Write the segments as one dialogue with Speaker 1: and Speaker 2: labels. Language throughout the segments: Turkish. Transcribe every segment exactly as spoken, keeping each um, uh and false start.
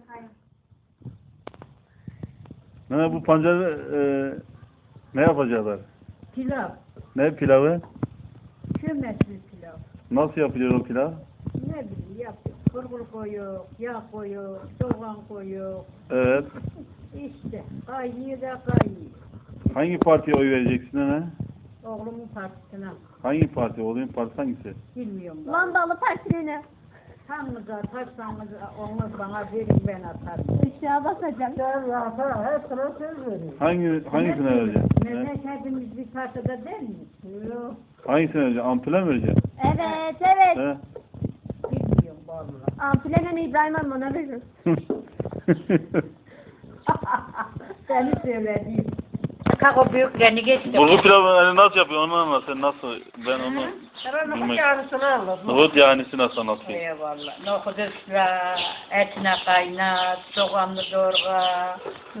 Speaker 1: Ne bu pancarı e, ne yapacaklar?
Speaker 2: Pilav.
Speaker 1: Ne pilavı?
Speaker 2: Kömesli pilav.
Speaker 1: Nasıl yapılıyor o pilav?
Speaker 2: Ne bileyim yapıyor. Bulgur koyuyor, yağ koyuyor, soğan koyuyor.
Speaker 1: Evet.
Speaker 2: İşte kaynıyor da kaynıyor.
Speaker 1: Hangi partiye oy vereceksin ana?
Speaker 2: Oğlumun partisine.
Speaker 1: Hangi parti? Oğlunun partisi hangisi?
Speaker 2: Bilmiyorum. ben.
Speaker 3: Mandalı partilerine
Speaker 2: Hanginiz atarsanız onu bana verin ben atarım.
Speaker 3: ışığa basacağım.
Speaker 2: Sen rahat hepsine söz verin.
Speaker 1: Hangi hangisine vereceksin? He?
Speaker 2: Mehmet hepimiz bir parçada değil mi? Yok.
Speaker 1: Hangisine vereceksin? Ampule mi vereceksin?
Speaker 3: Evet evet.
Speaker 1: He?
Speaker 2: Bilmiyorum vallahi.
Speaker 3: Ampilenin İbrahim Amman'a verir.
Speaker 2: Seni söylediğim. Kalk o büyüklerini geçtim.
Speaker 1: Bulgur pilavı hani nasıl yapıyor onu anlat sen nasıl ben onu
Speaker 2: Nohut
Speaker 1: bilmek.
Speaker 2: yağlısını anlat.
Speaker 1: Nohut yahnisi nasıl anlatayım?
Speaker 2: Eyvallah. Nohut ısla, etine kaynat, soğanlı doğra.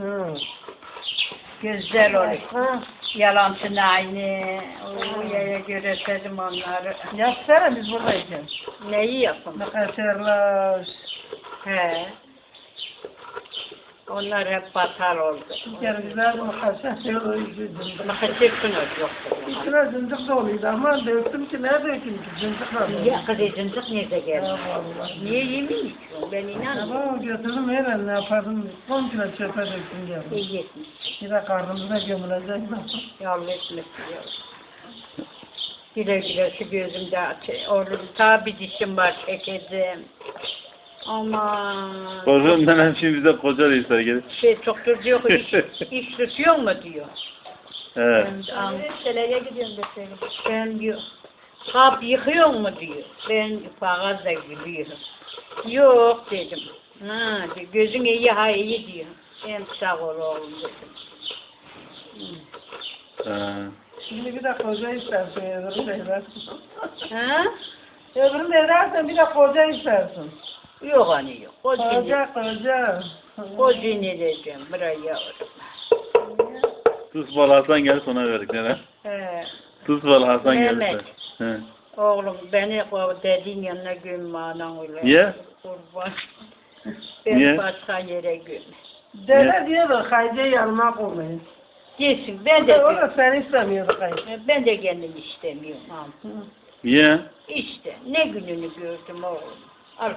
Speaker 2: Güzel olur. Yalancın aynı. O yaya göre sedim onları.
Speaker 4: Yapsana biz buradayız.
Speaker 2: Neyi yapın?
Speaker 4: Makaserler.
Speaker 2: He. Onlar hep batar oldu.
Speaker 4: Bir kere güzel makaserler üzüldüm.
Speaker 2: Makaser sınır yoktu.
Speaker 4: İçine zıncık doluydu ama döktüm ki ne dökeyim ki zıncıkla doluydu.
Speaker 2: Ya kız zıncık nerede geldi?
Speaker 4: Ya vallahi.
Speaker 2: Niye yemiyorsun? Ben inanmıyorum.
Speaker 4: Ama götürdüm her ne yapardım. on kilo çöpe döktüm geldim.
Speaker 2: İyi etmiş.
Speaker 4: Bir de karnımıza gömülecek.
Speaker 2: Yavrum etmesin yavrum. Güle güle şu gözümde orada ta bir dişim var çekeceğim. Aman.
Speaker 1: Kocuğum nenem şimdi bize koca reisler gelir.
Speaker 2: Şey çoktur diyor ki iş, iş tutuyor mu diyor.
Speaker 1: Evet.
Speaker 2: Ben, an, Şeleye gidiyorum deseydim. Ben diyor. Kap yıkıyor mu diyor. Ben fağız da gülüyorum. Yok dedim. Ha, diyor, gözün iyi ha iyi diyor. Ben sağ ol oğlum dedim.
Speaker 1: He.
Speaker 4: Şimdi bir de koca istersin öbürünü de edersin.
Speaker 2: Ha?
Speaker 4: Öbürünü de edersen bir de koca istersin.
Speaker 2: Yok hani yok. O cini,
Speaker 4: Koca koca.
Speaker 2: o cini diyeceğim. Buraya yavrum.
Speaker 1: Tuz balı Hasan geldi ona verdik nenem.
Speaker 2: He.
Speaker 1: Tuz balı Hasan geldi.
Speaker 2: Mehmet.
Speaker 1: He.
Speaker 2: Oğlum beni o dediğin yanına gömme anan öyle.
Speaker 1: Niye?
Speaker 2: Kurban. Ben
Speaker 1: Niye?
Speaker 2: başka yere gömme.
Speaker 4: Dede diyordu Haydi'ye yanıma koymayın.
Speaker 2: Gelsin ben
Speaker 4: O
Speaker 2: de,
Speaker 4: da, o da seni istemiyordu Haydi.
Speaker 2: ben de kendim istemiyorum. Al.
Speaker 1: Niye?
Speaker 2: İşte ne gününü gördüm oğlum. Al.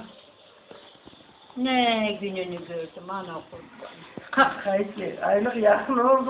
Speaker 2: Ne gününü gördüm ana kurban.
Speaker 4: Haydi aylık yakın oldu.